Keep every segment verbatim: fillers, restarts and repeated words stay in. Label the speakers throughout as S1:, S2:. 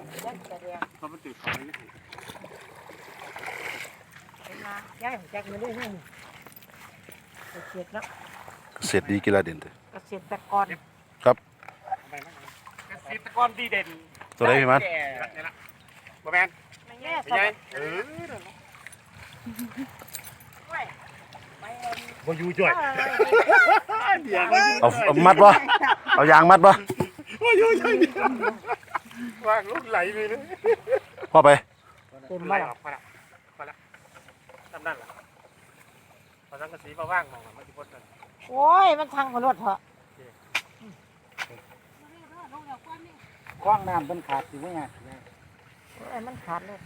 S1: เพราะมันตื่นเขาเลยนะ
S2: ย้ายของแจ็คมาด้วยนี่เกษตรแล้ว
S3: เกษตรดีกีฬาเด่นเด้อ
S2: เกษตรกร
S3: ครับ
S1: เกษตรกรดีเด่น
S3: ตัวไหนพี่มัน
S1: นี่ละบ่แมน
S2: ไม่แย่
S1: ไม่
S2: สั
S1: ใช่
S2: บ
S1: เออ
S2: ไม่ไม่เอ็น
S1: บ่อยู่จ่อยเดี๋ยว
S3: เอาเอามัดบ่เอายางมัดบ่
S1: บ่อยู่จ่อยว่างลูกไหลไปเลย
S3: พ่อไป
S2: เต็ม
S1: ไหล
S2: บ้าน
S1: ออกพอละพอละทำนั่นล่ะพอสังกะสีมาว่างมองมันจะพ้นกัน
S2: โอ้ยมันทางมารถเถอะ
S4: คล้องน้ำเป็นขาดสิว่าไง
S2: โอ้ยมันขาดเลย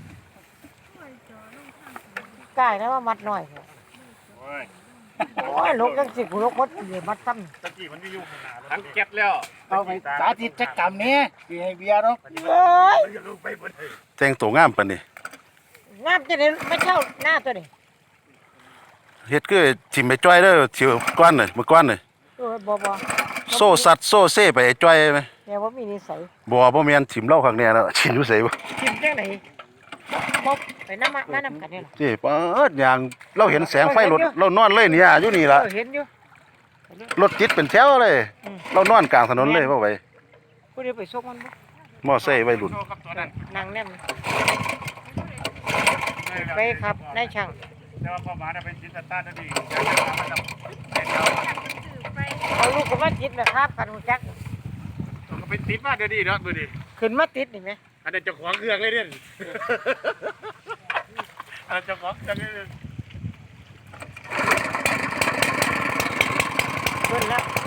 S2: กายนะว่ามัดหน่อยเถอะ
S1: โอ้ย
S2: โอ้ยลูกจังสิกูลูกมัดเหลือมัดซ้
S1: ตะกี้มันไม่ยุ่งขนาดนั้นเก็บแล้ว
S4: เอาไปสาธิตจักรรมนี้สิให้เบียร์เนาะ
S2: ำเอ้ย
S1: มันจะลงไปบนเลย
S3: แต่งตัวงามปานนี้
S2: งามจะได้ไม่เช่าหน้าตัวนี้
S3: เฮ็ดคือทิ่มไปจ้อยเด้อเที่ยวก้อนน่ะมื้อก้อนน่ะ
S2: โอ้ยบ่บ่
S3: โซ่สัตว์โซ่เซ่ไปไอ้จ้อยไหม
S2: แต่ว่ามีนิสัย
S3: บ่บ่แม่นทิ่มเล่าข้างแน่แล้วทิ่มอยู่ไสบ่
S2: ทิมจังไหนบ่ไปน้ำมันน้ำกันนี่หรอ
S3: เจ้เปิดยางเราเห็นแสงไฟรถเรานอนเลยเนี่ยอยู่นี่ล่ะ
S2: เห็นอยู่
S3: รถติดเป็นแถวเลย
S2: อืม
S3: เรานอนกลางถนนเลยบ่ไหว
S2: ผู้เดียวไปส่งมันบ่
S3: มอไซค์วัยรุ่น
S1: โชว์กับตัวนั้น
S2: นางแนมไปครับนายช่าง
S1: แต่ว่าพ่อหมาเนี่ยเป็นจิตตาร์ดีอยากจะมามันจะเป็นเรา
S2: เอาลูกก็มาติดนะครับกันหูจัก
S1: ก็เป็นติดมาเดี๋ยวนี้เนาะดูดิ
S2: ขึ้นมาติดนี่ไหม
S1: อันนั้นเจ้าของเครื่องเลยเนี่ยอันนั้นเจ้าของเครื่องเลย
S2: ขึ้นแล้ว